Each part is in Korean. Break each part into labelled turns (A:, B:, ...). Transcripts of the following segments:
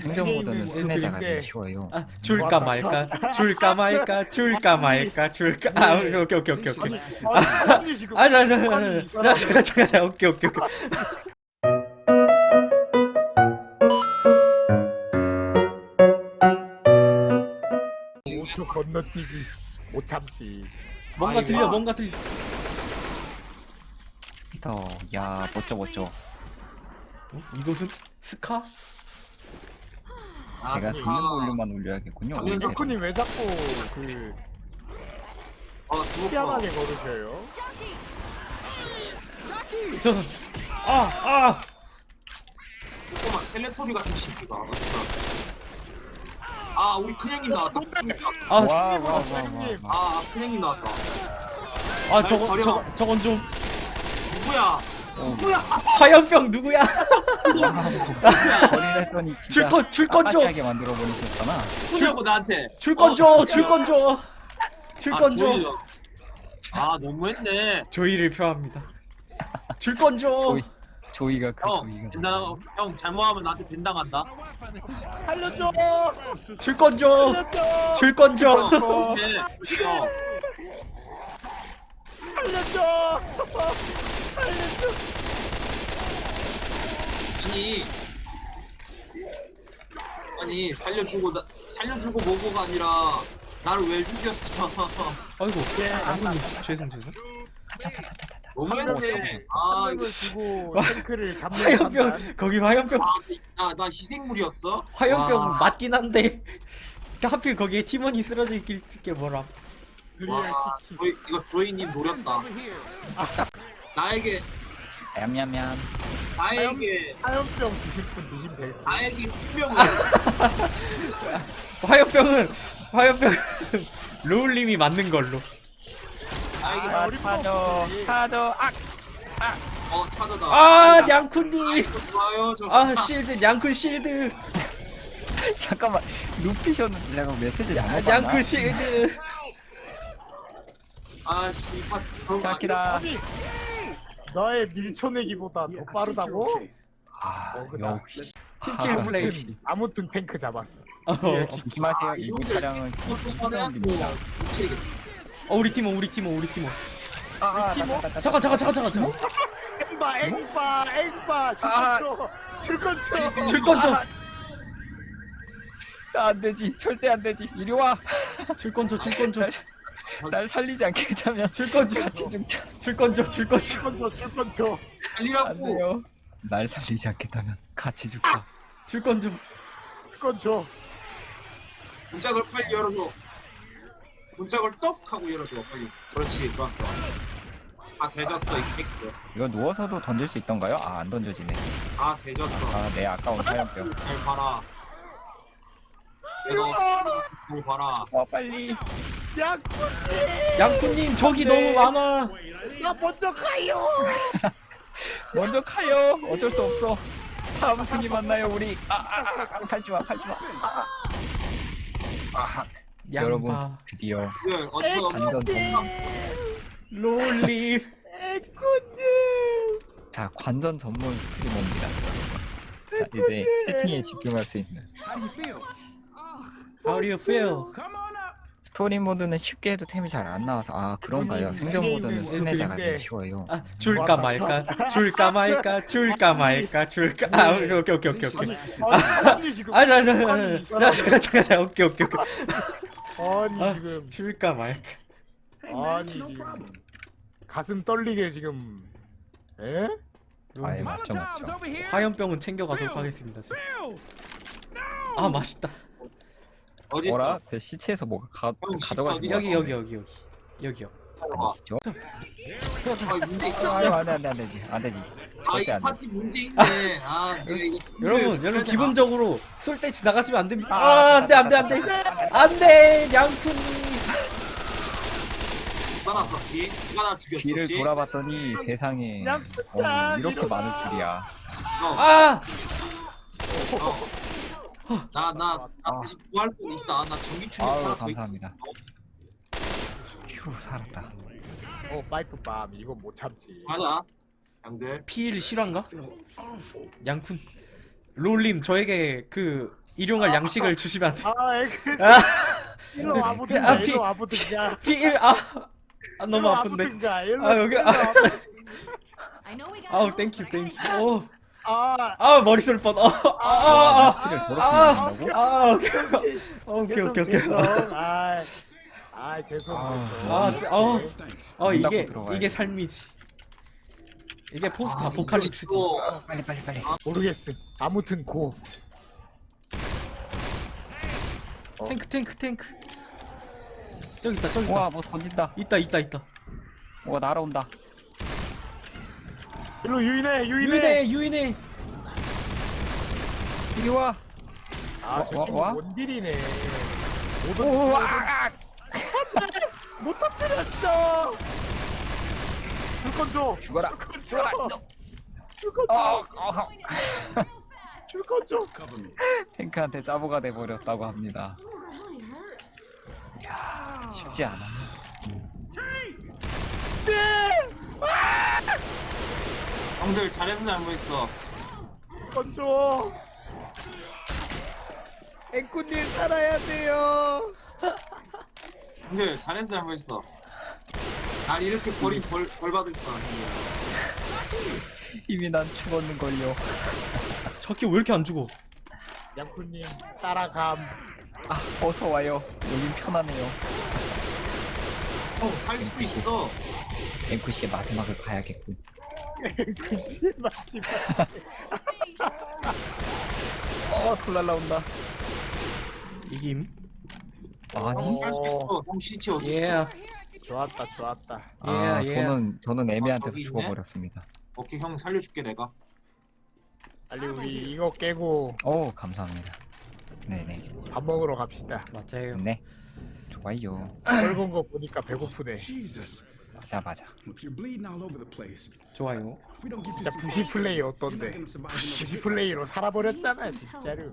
A: 생존 모드는 끝내자가 제일 쉬워요.
B: 아, 줄까 말까 줄까 말까 줄까 말까 줄까 아 오케이 오케이 오케이 오케이 오케이
C: 아니 지금
B: 아
C: 아니, 이 사람이-
B: 잠깐 오케이 오케이 오케이
C: 오초 건너뛰기 못 참지.
B: 뭔가
D: 아이고.
B: 들려 뭔가 들려
A: 피터, 야 멋져.
B: 어? 이것은 스카?
D: 아,
A: 제가
D: 스카.
A: 듣는 볼륨만 올려야겠군요.
D: 장면
A: 오히려.
C: 덕후님 왜 자꾸 그
D: 죽었어.
C: 희한하게 걸으셔요?
B: 저아
D: 잠깐만, 텔레토비 같은 새끼가. 아, 우리 큰형님 나왔다.
B: 아,
A: 와.
D: 아, 큰형님 나왔다.
B: 아 저건 좀
D: 누구야? 누구야?
B: 화염병 누구야?
A: 버리려 했더니 진짜
B: 줄건 줘.
A: 깜빡하게 만들어 버리셨잖아.
D: 누구냐고 나한테.
B: 줄건 줘 줄건 줘 줄건 줘
D: 조이요. 아, 너무했네.
B: 조이를 표합니다 줄건 줘
A: 조이가 그
D: 형,
A: 조이가.
D: 된다. 형 잘못하면 나한테 벤당한다.
C: 살려줘!
B: 줄건 줘
C: 살려줘!
B: 줄건 줘
D: 형, 형.
C: 살려줘! 살려줘!
D: 아니 살려주고 뭐고가 아니라 나를 왜 죽였어?
B: 아이고
C: 예.
B: 장군님 죄송
D: 너무했네. 아,
C: 을
D: 이거
C: 주고 탱크를 잡는
B: 화염병
C: 판단.
B: 거기 화염병
D: 나 희생물이었어?
B: 화염병
D: 와,
B: 맞긴 한데 하필 거기에 팀원이 쓰러져 있길 게 뭐라
C: 리얼
D: 와,
C: 키키.
D: 이거 조이님 노렸다. 나에게
A: 얌얌얌.
C: 화염병 드실 분 드시면 돼요.
D: 나에게 생명을
B: 화염병은 로울님이 맞는 걸로
D: 나에게
C: 아, 우리
A: 타죠.
D: 찾아다.
B: 아 냥쿤님
D: 아이고, 좋아요.
B: 아 실드 냥쿤 실드
A: 잠깐만 눕히셨는데 내가 메시지 안
B: 냥쿤
A: 받았나?
B: 실드
D: 아씨 파티 그런 거
A: 자키다.
C: 아니 너의 밀쳐내기보다 더 빠르다고? 어그다.
A: 역시.
B: 팀킬 플레이
C: 아무튼 탱크 잡았어.
B: 어,
A: 조심하세요.
D: 아,
A: 이번
D: 이분들-
A: 차량은
D: 아니야?
A: 힘듭니다.
D: 미치겠다.
B: 우리 팀원
A: 아,
B: 잠깐
C: 앵바
A: 아.
C: 줄건쳐.
B: 줄건 줘
A: 안 되지. 절대 안 되지. 이리 와.
B: 줄건 줘
A: 날 살리지 않겠다면
B: 줄건 줘
A: 같이 죽자.
B: 줄건 줘
C: 줄건쳐.
A: 안
D: 달리라고.
A: 돼요. 날 살리지 않겠다면 같이 죽자.
B: 줄건 줘
C: 줄건쳐.
D: 문짝을 빨리 열어줘. 문짝을 떡 하고 열어줘 빨리. 그렇지, 좋았어. 아, 대졌어 이 새끼.
A: 이거 누워서도 던질 수 있던가요? 아, 안 던져지네.
D: 아, 대졌어.
A: 아, 내 아까운 화염병.
D: 잘 봐라. 내가 잘 봐라.
A: 빨리.
C: 야,
B: 냥쿤님 적이 너무 많아
C: 나 먼저 가요.
A: 먼저 가요. 어쩔 수 없어. 다음 승이 만나요, 우리. 팔지 마. 여러분,
B: 양파
A: 드디어
D: 네, 어디서
A: 완전 전문.
B: 로울님
C: 에코님.
A: 자, 관전 전문 스트리머입니다. 자, 이제 채팅에 집중할 수 있는.
B: How do you feel?
A: 스토리 모드는 쉽게 해도 템이 잘 안 나와서 아 그런가요? 생존 모드는 끝내자가 제일 쉬워요.
B: 아 줄까 말까 줄까 말까 줄까 말까 줄까 아 오케이
C: 아니 지금.
B: 아
C: 아니, 이 사람이-
B: 잠깐 오케이
C: 아니
B: 아,
C: 지금.
B: 줄까 말까
C: 아니 지금. 가슴 떨리게 지금. 에?
A: 아예 맞죠.
B: 화염병은 챙겨가도록 하겠습니다 제가. 아 맛있다
D: 어디
A: 뭐라?
D: 있어?
A: 그 시체에서 뭐가
D: 시체
A: 가져가신
D: 어디-
A: 거
B: 여기요
A: 아니시죠?
D: 아, 문제 있다.
A: 아유 안 되지.
D: 아, 이
A: 절대 안 돼.
D: 파티 문제 있네. 아, 내가 이거
B: 여러분 기본적으로 쏠 때 지나가시면 안 됩니다
A: 아,
B: 안돼 냥쿤님
D: 누가 나섰지? 누가 나 죽였었지?
A: 뒤를 돌아봤더니 세상에 이렇게 많을 줄이야.
B: 아
D: 나 다시 구할 거 있다. 나 전기 충격
A: 아유
D: 하나 더
A: 감사합니다. 휴 살았다.
C: 파이프밤 이건 못 참지.
D: 맞아. 양들.
B: 피일 실화인가? 냥쿤 롤님 저에게 그 일용할 양식을 주시면 안 돼.
C: 아 애그
B: 아,
C: 일로
B: 아,
C: 와보든가
B: 피-
C: 일로 와보든가
B: 피일 너무 아픈데.
C: 일로
B: 아, 여기-
C: 와보든가.
B: 아우 땡큐. 오.
C: 아
B: 머리 쏠 뻔.
A: 스킬을 저렇게
B: 아,
A: 넣는다고?
B: 오케이.
C: 죄송,
B: 오케이.
C: 죄송. 죄송.
A: 문 닫고
B: 이게
A: 들어가야지.
B: 삶이지. 이게 포스트 아포칼립스지.
D: 이거
A: 빨리.
C: 모르겠음. 아무튼 고.
B: 탱크. 저기 있다.
A: 우와 뭐 던진다.
B: 있다.
A: 우와 날아온다.
C: 일로 유인해.
B: 유인해.
A: 이리 와.
C: 저 친구
A: 와?
C: 원딜이네.
A: 우와.
C: 못 터뜨렸어. 줄건 줘.
A: 죽어라.
C: 죽어라. 줄건 줘. 줄건 줘.
A: 탱크한테 짜보가 돼버렸다고 합니다. 이야 쉽지 않아.
D: 형들 잘해서 잘못했어.
C: 줄건 줘. 앵꾸님 살아야 돼요.
D: 형들 잘해서 잘못했어. 날 이렇게 벌 받을 거 아니야.
A: 이미 난 죽었는걸요.
B: 저기 왜 이렇게 안 죽어?
C: 양쿠님 따라감.
A: 어서 와요. 여긴 편하네요.
D: 형 살릴 수 있어.
A: 앵쿠씨의 마지막을 봐야겠군.
C: 앵쿠씨 마지막.
A: 돌 날라온다.
B: 이김.
A: 아니?
D: 살수 있어. 형 CT 어디 있어?
B: 예.
C: 좋았다.
A: 저는 애매한테서
D: 저기 있네?
A: 죽어버렸습니다.
D: 오케이 형 살려줄게 내가.
C: 빨리 우리 이거 깨고
A: 오 감사합니다. 네네.
C: 밥 먹으러 갑시다.
B: 맞아요.
A: 네. 좋아요.
C: 붉은 거 보니까 배고프네.
E: Jesus.
A: 맞아.
E: Look, you're bleeding all over the place.
B: 좋아요.
E: If we don't get
C: 진짜
E: this
C: 부시 플레이 어떤데? 부시 플레이로 살아버렸잖아 진짜로.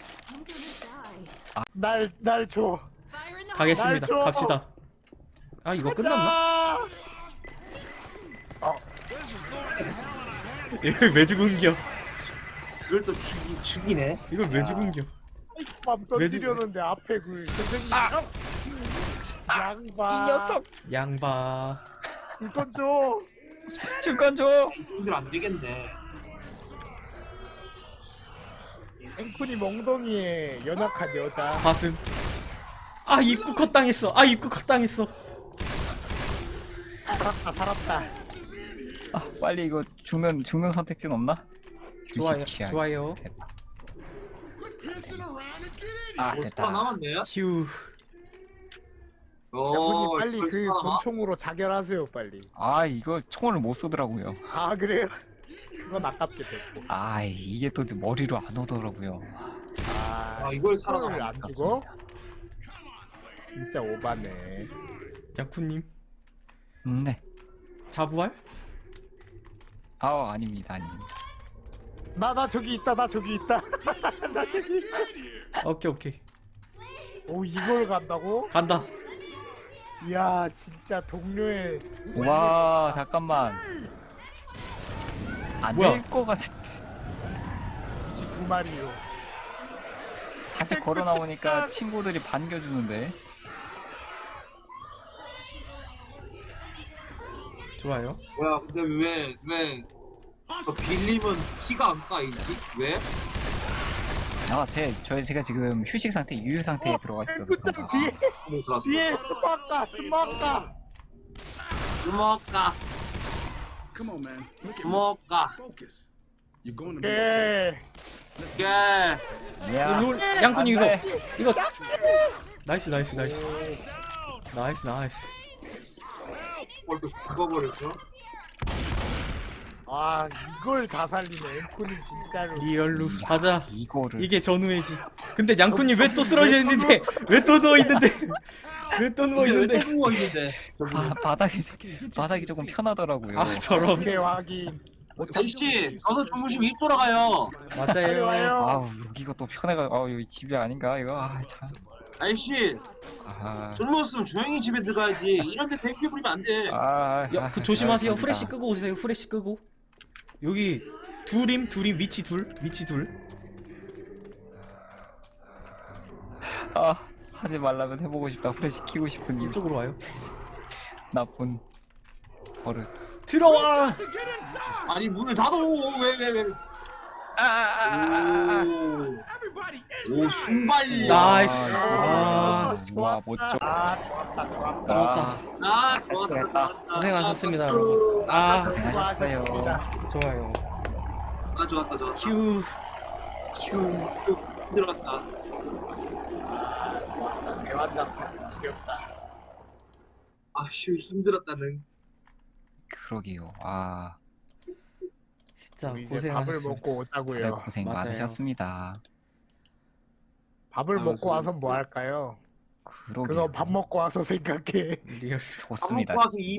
C: 날 줘.
B: 가겠습니다.
C: 날 줘.
B: 갑시다. 이거 끝났나? 이걸 왜 죽은겨?
D: 이걸 또 죽이네.
B: 이걸 왜 죽은겨?
C: 맘 던지려는데 앞에 그 선생님 양봐.
B: 양바.
C: 물건 줘.
A: 줄건 줘.
D: 형들 안 되겠네.
C: 앵쿤이 멍덩이에 연약한 여자.
B: 가슴. 입구 컷 당했어. 입구 컷 당했어.
C: 살았다.
A: 빨리 이거 죽는 선택지는 없나?
B: 좋아요.
A: 주식키야.
B: 좋아요.
A: 됐다.
D: 보스가
A: 됐다.
D: 남았네요.
B: 휴.
C: 양쿤이 빨리
D: 벌써
C: 그
D: 남아?
C: 권총으로 자결하세요 빨리.
A: 이거 총을 못 쏘더라고요.
C: 그래요? 그건 아깝게 됐고.
A: 이게 또 머리로 안 오더라고요.
D: 이걸
C: 이걸
D: 살아남아.
C: 안 죽어? 진짜 오바네.
B: 양쿠님
A: 네.
B: 자부할?
A: 아닙니다.
C: 나 저기 있다. 나 저기 있다.
B: 오케이.
C: 오 이걸 간다고?
B: 간다.
C: 이야 진짜 동료의
A: 와 잠깐만. 안
B: 뭐야?
A: 될 것 같은.
C: 두 마리요.
A: 다시 걸어 나오니까 친구들이 반겨주는데.
B: 좋아요.
D: 뭐야 근데 왜 빌림은 피가 안 까이지? 왜?
A: 제가 지금 휴식 상태, 유유 상태에 들어가 있어서.
C: 앵구짱
A: 그런가.
C: 뒤에 스마까.
D: 주먹가
E: Come on, man. Look at me.
D: 주먹가
E: Focus. You're going to be okay.
C: 예.
D: 예.
A: 야.
B: 양쿠님
A: 안 돼.
B: 이거 나이스. 나이스.
D: 또 죽어버렸어.
C: 이걸 다 살리네. 앵쿠님 진짜로.
B: 리얼루 가자.
A: 이거를.
B: 이게 전우회지. 근데 양쿠님 왜 또 쓰러져 있는데? 왜 또 누워 있는데? 왜 또 누워 있는데?
D: 또 누워 있는데.
A: 바닥이 조금 편하더라고요.
B: 저런.
C: 오케이 확인.
D: 아저씨 가서 주무시면 입 돌아가요.
C: 빨리
B: 맞아요.
C: 와요.
A: 여기가 또 편해가. 여기 집이 아닌가 이거. 참.
D: 아저씨 젊었으면 조용히 집에 들어가야지. 이런데 대피 부리면 안 돼.
B: 그 조심하세요. 후레쉬 끄고 오세요. 후레쉬 끄고. 여기 둘임 위치 둘.
A: 아 하지 말라면 해보고 싶다. 후레쉬 키고 싶은 이
B: 이쪽으로 와요.
A: 나쁜 버릇.
B: 들어와.
D: 아니 문을 닫어. 왜?
E: Everybody
D: 오 순발력.
B: 나이스.
A: 와 못죠.
B: 좋았다.
D: 좋았다.
B: 고생하셨습니다, 여러분.
A: 잘했어요.
B: 좋아요.
D: 좋았다.
B: 휴.
D: 힘들었다.
C: 대환장 지겹다.
D: 아휴 힘들었다는.
A: 그러게요. 아
B: 진짜
C: 이제 밥을
B: 고생하셨습니다.
C: 먹고 오자고요.
A: 그래 고생
B: 맞아요.
A: 많으셨습니다.
C: 밥을 먹고 와서 뭐 할까요?
A: 그러게요.
C: 그거 밥 먹고 와서 생각해.
B: 리얼.
A: 좋습니다.
D: 밥 먹고 와서 이